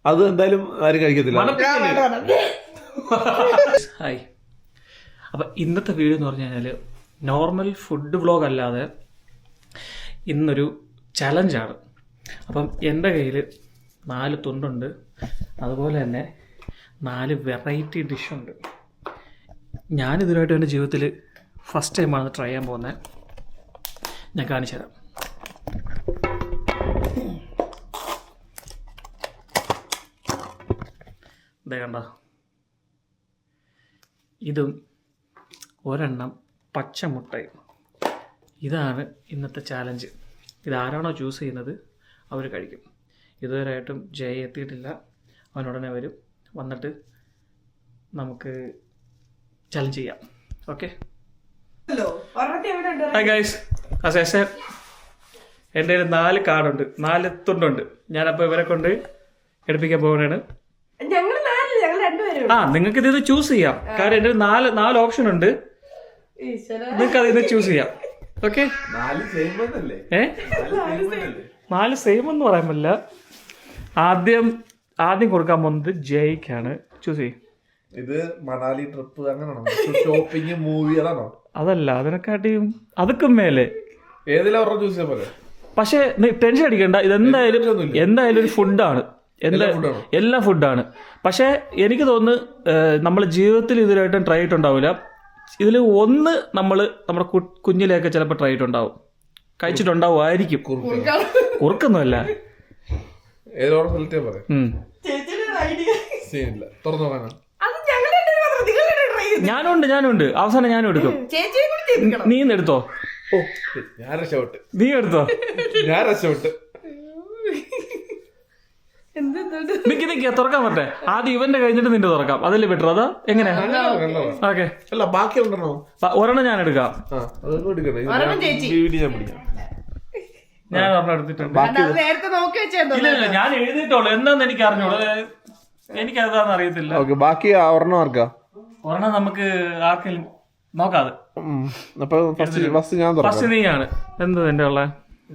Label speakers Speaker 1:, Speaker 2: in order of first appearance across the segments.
Speaker 1: അത് എന്തായാലും ആരും കഴിക്കത്തില്ല.
Speaker 2: ഹായ്. അപ്പം ഇന്നത്തെ വീഡിയോ എന്ന് പറഞ്ഞു കഴിഞ്ഞാൽ നോർമൽ ഫുഡ് വ്ളോഗ് അല്ലാതെ ഇന്നൊരു ചലഞ്ചാണ്. അപ്പം എൻ്റെ കയ്യിൽ 4 തുണ്ടുണ്ട്, അതുപോലെ തന്നെ 4 വെറൈറ്റി ഡിഷുണ്ട്. ഞാനിതുവരായിട്ടും എൻ്റെ ജീവിതത്തിൽ ഫസ്റ്റ് ടൈമാണ് ട്രൈ ചെയ്യാൻ പോകുന്നത്. ഞാൻ കാണിച്ചു തരാം. ഇതേ കണ്ട, ഇതും ഒരെണ്ണം പച്ചമുട്ടയും. ഇതാണ് ഇന്നത്തെ ചാലഞ്ച്. ഇതാരാണോ ചൂസ് ചെയ്യുന്നത് അവർ കഴിക്കും. ഇതുവരെയായിട്ടും ജയ് എത്തിയിട്ടില്ല. അവനുടനെ വരും. വന്നിട്ട് നമുക്ക് ചലഞ്ച് ചെയ്യാം. ഓക്കെ. ഹായ് ഗൈസ്, എൻ്റെ കയ്യിൽ 4 കാർഡുണ്ട്, 4 തുണ്ടുണ്ട്. ഞാനപ്പോൾ ഇവരെ കൊണ്ട് എടുപ്പിക്കാൻ പോകുന്നതാണ്. നിങ്ങൾക്ക് ഇത് ചൂസ് ചെയ്യാം. കാരണം എൻ്റെ 4 ഓപ്ഷൻ ഉണ്ട്. നിങ്ങൾക്ക് അതിൽ നിന്ന് ചൂസ് ചെയ്യാം. ഓക്കെ. 4 സെയിം എന്ന് പറയാൻ പറ്റില്ല. ആദ്യം കൊടുക്കാൻ പോകുന്നത് ജയ്ക്കാണ്. ചൂസ് ചെയ്യും.
Speaker 1: ഇത് മണാലി ട്രിപ്പ് അങ്ങനെയാണോ? ഷോപ്പിംഗ് മൂവി അതാണോ?
Speaker 2: അതല്ല, അതിനെക്കാട്ടിയും അതൊക്കെ മേലെ
Speaker 1: ഏതെല്ലാം ചൂസ് ചെയ്യാൻ പോലെ.
Speaker 2: പക്ഷെ ടെൻഷൻ അടിക്കണ്ട, എന്തായാലും ഒരു ഫുഡാണ്. എല്ലാ ഫുഡാണ്. പക്ഷെ എനിക്ക് തോന്നുന്നു നമ്മൾ ജീവിതത്തിൽ ഇതിലായിട്ടും ട്രൈ ചെയ്തിട്ടുണ്ടാവില്ല. ഇതിൽ ഒന്ന് നമ്മുടെ കുഞ്ഞിലെയൊക്കെ ചിലപ്പോൾ ട്രൈ ചെയ്തിട്ടുണ്ടാവും, കഴിച്ചിട്ടുണ്ടാവുമായിരിക്കും. കുറുക്കൊന്നുമല്ല. ഞാനുണ്ട്. അവസാനം ഞാനും എടുക്കും. നീ എടുത്തോ. നീ എടുത്തോ. നിക്ക് തുറക്കാൻ പറ്റേ. ആദ്യം ഇവന്റെ കഴിഞ്ഞിട്ട് നിന്റെ തുറക്കാം. അതല്ലേ ബെറ്റർ? അതാ എങ്ങനെയാ? ഓക്കെ.
Speaker 1: അല്ല, ബാക്കി
Speaker 2: ഒരെണ്ണം ഞാൻ എടുക്കാം. ഞാൻ ഒരെണ്ണം എടുത്തിട്ടുണ്ട്. ഇല്ല, ഞാൻ എഴുതിയിട്ടുള്ളൂ. എന്താന്ന് എനിക്ക് അറിഞ്ഞോളൂ. എനിക്ക് അതാന്ന് അറിയത്തില്ല.
Speaker 1: ബാക്കി ഒരെണ്ണം ആർക്കാ?
Speaker 2: ഒരെണ്ണം നമുക്ക് ആർക്കെങ്കിലും നോക്കാതെ.
Speaker 1: ഫസ്റ്റ്
Speaker 2: നീയാണ്. എന്ത് എന്റെ ഉള്ള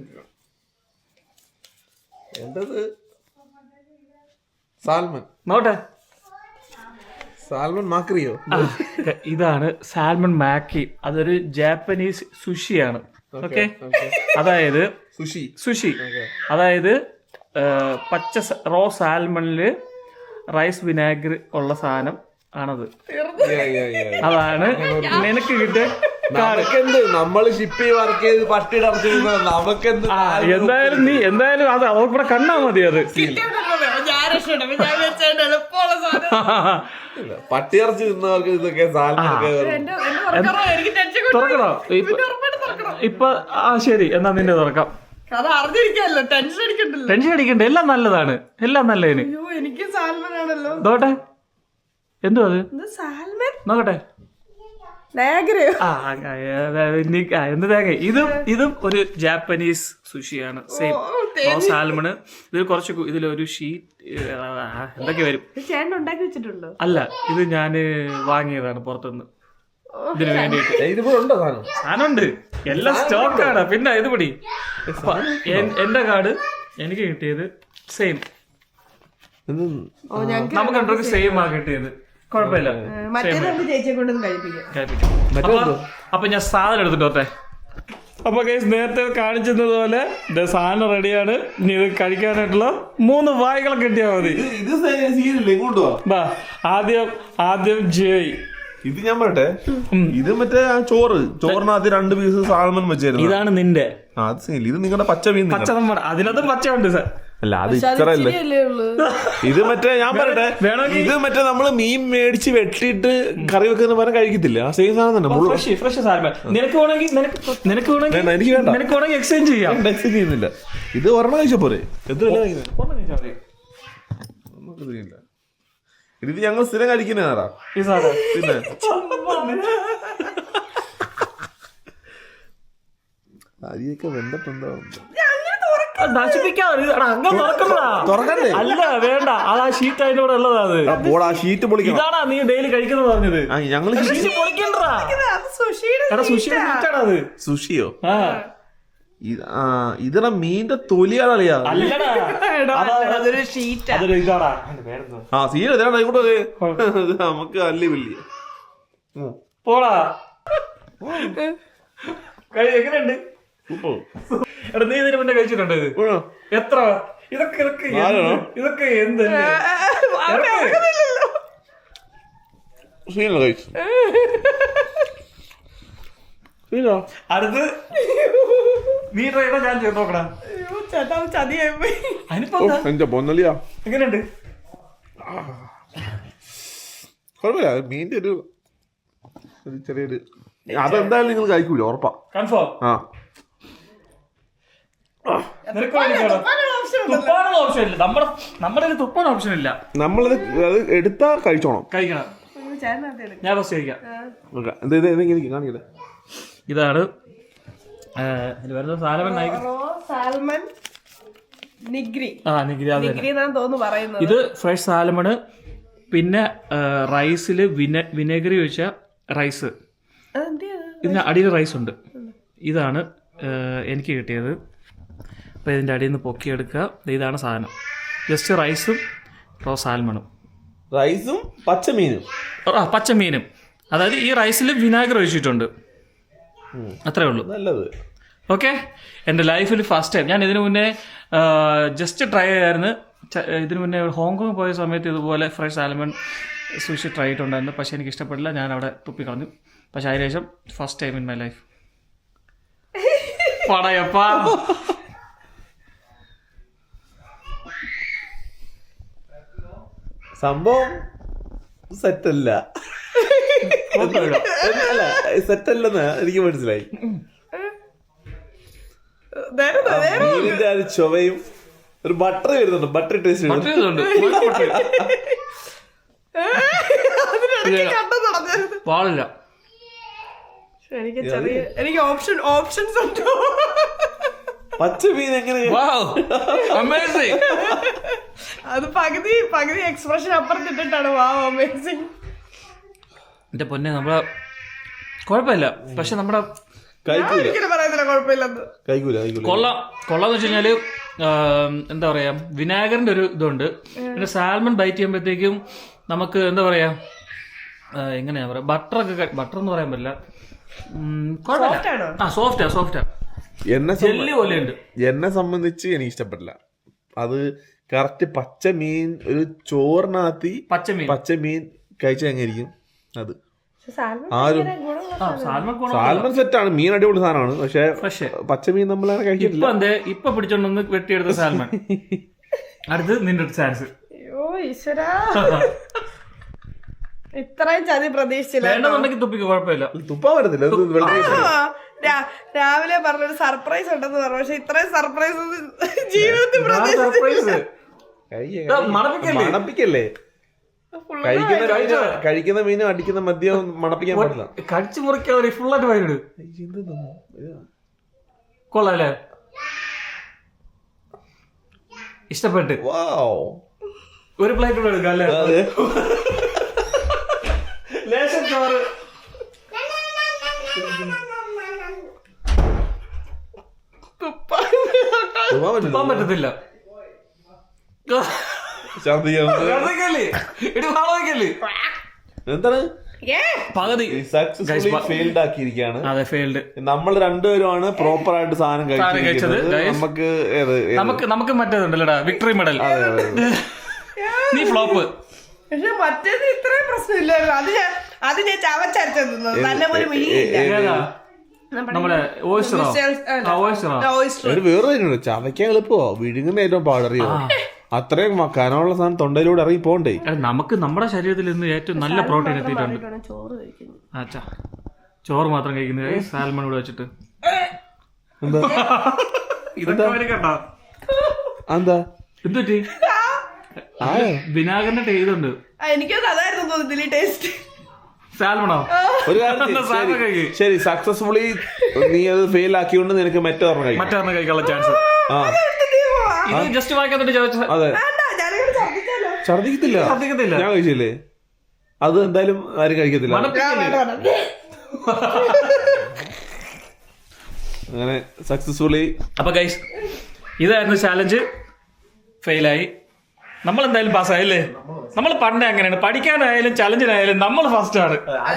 Speaker 1: സാൽമൺ
Speaker 2: നോട്ടെ.
Speaker 1: സാൽമൺ മാക്രിയോ?
Speaker 2: ഇതാണ് സാൽമൺ മാക്കി. അതൊരു ജാപ്പനീസ് സുഷിയാണ്. ഓക്കെ. അതായത് സുഷി അതായത് പച്ച റോ സാൽമണില് റൈസ് വിനാഗിരി ഉള്ള സാധനം ആണത്. അതാണ് നിനക്ക് കിട്ടിയ.
Speaker 1: നമ്മള് ഷിപ്പ് വർക്ക് ചെയ്ത് പട്ടിടർത്തി നമുക്കെന്ത്.
Speaker 2: എന്തായാലും അത് അവർക്ക് കണ്ടാ മതി. അത്
Speaker 1: പട്ടിയിറച്ചി തിന്നവർക്ക് ഇതൊക്കെ
Speaker 2: തുറക്കണോ ഇപ്പൊ? ശരി, എന്നാ നിന്റെ തുറക്കാം. ടെൻഷൻ അടിക്കണ്ട. എല്ലാം നല്ലതാണ്. എല്ലാം നല്ലതിന്. നോട്ടെ. എന്തോ അത് നോക്കട്ടെ. എന്ത് തേങ്ങ? ഇതും ഒരു ജാപ്പനീസ് സുഷിയാണ്. Same salmon. ഇതിൽ കുറച്ച് ഇതിലൊരു ഷീറ്റ് എന്തൊക്കെ വരും. അല്ല, ഇത് ഞാന് വാങ്ങിയതാണ് പുറത്തുനിന്ന് ഇതിന് വേണ്ടിയിട്ട്. സാധനമുണ്ട്, എല്ലാം സ്റ്റോക്കാണ്. പിന്നെ ഇത് പിടി. എന്റെ കാർഡ് എനിക്ക് കിട്ടിയത് സെയിം. നമുക്ക് രണ്ടു സെയിം ആ കിട്ടിയത്. കുഴപ്പമില്ല. അപ്പൊ ഞാൻ സാധനം എടുത്തിട്ട് വരട്ടെ. അപ്പൊ ഗൈസ്, നേരത്തെ കാണിച്ചതുപോലെ സാധനം റെഡിയാണ്. ഇനി ഇത് കഴിക്കാനായിട്ടുള്ള 3 വായ്കളൊക്കെ കിട്ടിയാൽ മതി. ആദ്യം ജയ്.
Speaker 1: ഇത് ഞാൻ പറയട്ടെ. ഇത് മറ്റേ ആ ചോറിനകത്ത് 2 പീസ് സാൽമൺ വെച്ചായിരുന്നു.
Speaker 2: ഇതാണ് നിന്റെ.
Speaker 1: ഇത് നിങ്ങളുടെ പച്ച മീൻ.
Speaker 2: അതിനകത്തും പച്ചയുണ്ട് സാർ.
Speaker 1: അല്ല, അത് ഇത്രല്ലേ. ഇത് മറ്റേ ഞാൻ പറയട്ടെ, ഇത് മറ്റേ നമ്മള് മീൻ മേടിച്ച് വെട്ടിയിട്ട് കറി വെക്കുന്ന പോലെ കഴിക്കത്തില്ല. ആ സെയിം സാധനം തന്നെ.
Speaker 2: Fresh salmon. നിനക്ക് വേണമെങ്കിൽ എക്സ്ചേഞ്ച് ചെയ്യാം.
Speaker 1: എക്സ്ചേഞ്ച് ചെയ്യുന്നില്ല. ഇത് ഒരെണ്ണം കഴിച്ച പോരെ. എത്ര ഇത് ഞങ്ങൾ സ്ഥിരം കഴിക്കുന്നതാ. പിന്നെ അരിയൊക്കെ വെന്തട്ടുണ്ടോ?
Speaker 2: അല്ല, വേണ്ട. അത് ആ ഷീറ്റ് അതിന്റെ കൂടെ ഉള്ളതാ. ഇതാണാ നീ ഡെയിലി കഴിക്കുന്നത് പറഞ്ഞത്.
Speaker 1: ഞങ്ങള്
Speaker 2: സുഷിയോ?
Speaker 1: ഇതാ മീന്റെ തൊലിയാണ് കളിയാ.
Speaker 3: അതൊരു ഷീറ്റ്.
Speaker 2: അതൊരു ഇതാടാ പേരെന്തോ.
Speaker 1: ആ സീന ഇതാണ് ആയിക്കോട്ടെ. നമുക്ക് അല്ലി വലിയ
Speaker 2: പോടാ. എങ്ങനെയുണ്ട്? എടാ നീ ഇതിന് മുന്നേ കഴിച്ചിട്ടുണ്ടോ ഇത്? എത്ര? ഇതൊക്കെ ഇതൊക്കെ എന്ത്
Speaker 1: സീന കഴിച്ചു.
Speaker 2: അടുത്ത് നീ ട്രൈ ചെയ്താ ഞാൻ ചെയ്ത് നോക്കടാ.
Speaker 1: എന്റെ പൊന്നലിയാ
Speaker 2: എങ്ങനെയുണ്ട്?
Speaker 1: കുഴപ്പമില്ല. മീന്റെ ഒരു ചെറിയൊരു അതെന്തായാലും നിങ്ങൾ കഴിക്കൂല ഉറപ്പാ.
Speaker 2: കൺഫേം.
Speaker 1: ആ
Speaker 2: തുപ്പാനുള്ള ഓപ്ഷൻ ഇല്ല. നമ്മുടെ തുപ്പാൻ ഓപ്ഷൻ ഇല്ല.
Speaker 1: നമ്മളത് അത് എടുത്താ കഴിച്ചോണം.
Speaker 2: കഴിക്കണം. ഞാൻ ഫസ്റ്റ് കഴിക്കാം.
Speaker 1: കാണിക്കട്ടെ.
Speaker 2: ഇതാണ്
Speaker 3: സാൽമൺ നിഗ്രി.
Speaker 2: ഇത് ഫ്രഷ് സാലമണ്. പിന്നെ റൈസില് വിനെഗറി ഒഴിച്ച റൈസ്. ഇതിന് അടിയിൽ റൈസ് ഉണ്ട്. ഇതാണ് എനിക്ക് കിട്ടിയത്. അപ്പോൾ ഇതിൻ്റെ അടിയിൽ നിന്ന് പൊക്കിയെടുക്കുക. ഇതാണ് സാധനം. ജസ്റ്റ് റൈസും റോ സാൽമണും
Speaker 1: റൈസും പച്ചമീനും.
Speaker 2: പച്ചമീനും. അതായത് ഈ റൈസിൽ വിനാഗിരി ഒഴിച്ചിട്ടുണ്ട്. അത്രേ ഉള്ളൂ.
Speaker 1: നല്ലത്.
Speaker 2: ഓക്കെ. എൻ്റെ ലൈഫിൽ ഫസ്റ്റ് ടൈം. ഞാൻ ഇതിനു മുന്നേ ജസ്റ്റ് ട്രൈ ചെയ്യായിരുന്നു. ഇതിനു മുന്നേ ഹോങ്കോങ് പോയ സമയത്ത് ഇതുപോലെ ഫ്രഷ് സാൽമൺ സുഷി ട്രൈ ചെയ്തിട്ടുണ്ടായിരുന്നു. പക്ഷേ എനിക്ക് ഇഷ്ടപ്പെട്ടില്ല. ഞാൻ അവിടെ തുപ്പിക്കളഞ്ഞു. പക്ഷെ അതിനുശേഷം first time in my life. Padayappa.
Speaker 1: സംഭവം സെറ്റല്ല. അല്ല സെറ്റല്ലെന്ന് എനിക്ക് മനസ്സിലായി. മീനിന്റെ ആ ഒരു ചുവയും ഒരു ബട്ടർ വരുന്നുണ്ട്. ബട്ടർ ടേസ്റ്റ്
Speaker 2: പാടില്ല.
Speaker 3: എനിക്ക് ഓപ്ഷൻസ് ഉണ്ട്.
Speaker 1: പച്ചമീൻ എങ്ങനെ
Speaker 3: അത് പകുതി എക്സ്പ്രഷൻ അപ്പുറത്തിട്ടിട്ടാണ്. വാവ് അമേസിങ്.
Speaker 2: എന്റെ പൊന്നെ നമ്മളെ കുഴപ്പമില്ല. പക്ഷെ നമ്മുടെ കൊള്ളാന്ന് വെച്ച് കഴിഞ്ഞാല് എന്താ പറയാ വിനാഗറിന്റെ ഒരു ഇതുണ്ട്. പിന്നെ സാൽമൺ ബൈറ്റ് ചെയ്യുമ്പോഴത്തേക്കും നമുക്ക് എന്താ പറയാ എങ്ങനെയാ പറയാ ബട്ടർ എന്ന് പറയാൻ പറ്റില്ല. കുഴപ്പമില്ല. സോഫ്റ്റാ.
Speaker 1: എന്നെ സംബന്ധിച്ച് എനിക്ക് ഇഷ്ടപ്പെട്ടില്ല. അത് കറക്റ്റ് പച്ചമീൻ ഒരു ചോറിനകത്തി പച്ചമീൻ കഴിച്ചാൽ എങ്ങനെയിരിക്കും അത്. സാൽമൺ സെറ്റാണ്. മീൻ അടിപൊളി സാധനമാണ്. പക്ഷെ പച്ചമീൻ നമ്മളങ്ങനെ കഴിക്കില്ല.
Speaker 2: ഇപ്പൊ പിടിച്ചോണ്ടൊന്ന് വെട്ടിയെടുത്ത സാൽമൺ. അടുത്ത് നിന്റെ ചാൻസ്.
Speaker 3: ഇത്രയും ചതി പ്രതീക്ഷിച്ചില്ല.
Speaker 2: തുപ്പിക്ക് കുഴപ്പമില്ല.
Speaker 1: തുപ്പാൻ പറ്റത്തില്ല.
Speaker 3: രാവിലെ പറഞ്ഞൊരു സർപ്രൈസ് ഉണ്ടെന്ന് പറഞ്ഞു. പക്ഷെ ഇത്രയും സർപ്രൈസ് ജീവിതത്തിൽ പ്രതീക്ഷിച്ചില്ല.
Speaker 1: മണപ്പിക്കല്ലേ. കഴിക്കുന്ന മീനും അടിക്കുന്ന മദ്യം മണപ്പിക്കാൻ പാടില്ല.
Speaker 2: കടിച്ചു മുറിക്കാൻ ഫുള്ളായിട്ട് വൈകിട്. കൊള്ളാല്ലേ? ഇഷ്ടപ്പെട്ട് ഒരു പ്ലേറ്റ് കൂടെ എടുക്കാം അല്ലേ? ലേശം ചോറ്. തുപ്പാൻ പറ്റത്തില്ല.
Speaker 1: എന്താണ്
Speaker 2: പകുതി
Speaker 1: ഫെയിൽഡ് ആക്കിയിരിക്കുകയാണ്.
Speaker 2: അതെ, ഫെയിൽഡ്.
Speaker 1: നമ്മൾ രണ്ടുപേരുമാണ് പ്രോപ്പർ ആയിട്ട് സാധനം കഴിച്ചത്.
Speaker 2: നമുക്ക് മറ്റേതുണ്ടല്ലോടാ വിക്ടറി മെഡൽ. നീ ഫ്ലോപ്പ്.
Speaker 3: പക്ഷെ മറ്റേത് ഇത്രയും പ്രശ്നമില്ലല്ലോ. അത് ഞാൻ ചവച്ചരച്ചത് നല്ലപോലെ
Speaker 2: നമ്മുടെ
Speaker 1: വേറെ ചവയ്ക്കാൻ എളുപ്പമോ വിഴുങ്ങുന്ന ഏറ്റവും പാടറിയോ. അത്രയും കനമുള്ള സാധനം തൊണ്ടയിലൂടെ ഇറങ്ങി പോണ്ടേ.
Speaker 2: നമുക്ക് നമ്മുടെ ശരീരത്തിൽ നിന്ന് ഏറ്റവും നല്ല പ്രോട്ടീൻ എത്തിയിട്ടുണ്ട്. അച്ഛാ ചോറ് മാത്രം കഴിക്കുന്നത് സാൽമൺ കൂടെ വെച്ചിട്ട്
Speaker 1: എന്താ എന്തുപറ്റി?
Speaker 2: വിനാഗറിന്റെ ഇതുണ്ട്.
Speaker 3: എനിക്കത് അതായിരുന്നു തോന്നുന്നില്ല ടേസ്റ്റ്.
Speaker 2: സാൽമണോ?
Speaker 1: ഒരു കാര്യം ശരി, സക്സസ്ഫുള്ളി നീ അത് ഫെയിൽ ആക്കിയോണ്ട് നിനക്ക് മറ്റൊരെണ്ണം
Speaker 2: കഴിക്കാനുള്ള ചാൻസ്. ജസ്റ്റ് വായിക്കാത്തോട്ട് ചോദിച്ചു.
Speaker 1: അതെ, ഛർദിക്കത്തില്ല. ഞാൻ കഴിച്ചില്ലേ? അത് എന്തായാലും ആരും കഴിക്കത്തില്ല. അങ്ങനെ സക്സസ്ഫുള്ളി.
Speaker 2: അപ്പൊ ഗൈസ് ഇതായിരുന്നു ചാലഞ്ച്. ഫെയിലായി. നമ്മൾ എന്തായാലും പാസ്സായില്ലേ? നമ്മൾ പണ്ടേ അങ്ങനെയാണ്, പഠിക്കാനായാലും ചലഞ്ചിനായാലും നമ്മൾ ഫസ്റ്റ് ആണ്.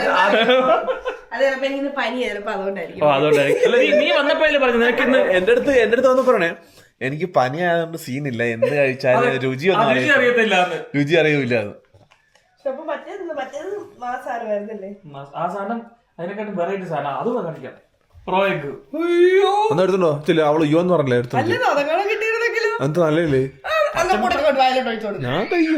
Speaker 2: അതുകൊണ്ടായിരിക്കും നീ വന്നപ്പോഴല്ലേ പറഞ്ഞു നിനക്ക് ഇന്ന്.
Speaker 1: എന്റെ അടുത്ത് വന്ന് പറയണേ എനിക്ക് പനി ആയതുകൊണ്ട് സീനില്ല, എന്ത് കഴിച്ചാലും രുചി
Speaker 2: അറിയത്തില്ല,
Speaker 1: രുചി അറിയൂല.
Speaker 2: ആ സാധനം അതിനെക്കാട്ടും വെറൈറ്റി സാധനം, അത് കാണിക്കാം. പ്രോ എഗ്
Speaker 1: ഒന്ന് എടുത്തുണ്ടോ? ചില അവള് യോ എന്ന് പറഞ്ഞില്ലേ എടുത്തു. എന്ത് നല്ലേ ഞാൻ കഴിക്കും.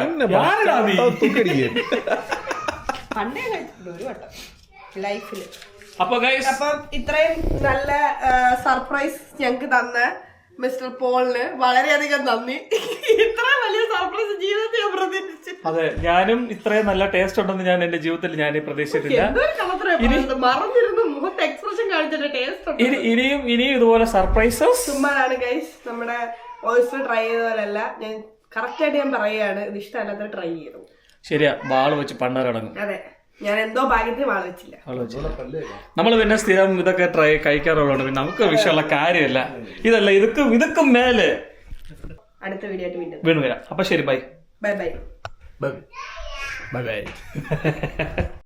Speaker 2: അപ്പം
Speaker 3: ഇത്രയും നല്ല സർപ്രൈസ് ഞങ്ങക്ക് തന്ന മിസ്റ്റർ പോളിന് വളരെയധികം നന്ദി. ഇത്ര വലിയ സർപ്രൈസ് ജീവിതത്തിൽ ഞാൻ പ്രതീക്ഷിച്ചില്ല.
Speaker 2: അതെ, ഞാനും ഇത്രയും നല്ല ടേസ്റ്റ് ഉണ്ടെന്ന് ഞാൻ എന്റെ ജീവിതത്തിൽ ഞാൻ പ്രതീക്ഷിച്ചിട്ടില്ല.
Speaker 3: മറന്നിരുന്നു മുഖത്ത് എക്സ്പ്രഷൻ കാണിച്ചിട്ട് ടേസ്റ്റ്
Speaker 2: ഇനിയും ഇതുപോലെ സർപ്രൈസസ്
Speaker 3: ചുമ്മാതാണ് ഗൈസ്. നമ്മുടെ ഓയിസ്റ്റർ ട്രൈ ചെയ്ത പോലല്ല, ഞാൻ കറക്റ്റ് ആയിട്ട് ഞാൻ പറയുകയാണ്, ഇത് ഇഷ്ടമല്ലാത്ത ട്രൈ ചെയ്തു.
Speaker 2: ശരിയാ, വാള് വെച്ച് പണ്ടാരടങ്ങും.
Speaker 3: അതെ, ഞാൻ എന്തോ ഭാഗ്യത്തിന് വാള് വെച്ചില്ല.
Speaker 2: നമ്മൾ പിന്നെ സ്ഥിരം ഇതൊക്കെ കഴിക്കാറുള്ളതുകൊണ്ട് പിന്നെ നമുക്ക് വിഷയമുള്ള കാര്യമല്ല. ഇതല്ല, ഇതൊക്കെ മേലെ
Speaker 3: അടുത്ത വീഡിയോ ആയിട്ട്
Speaker 2: വീണ്ടും വരാം. അപ്പൊ ശരി, bye
Speaker 3: bye bye
Speaker 1: bye by.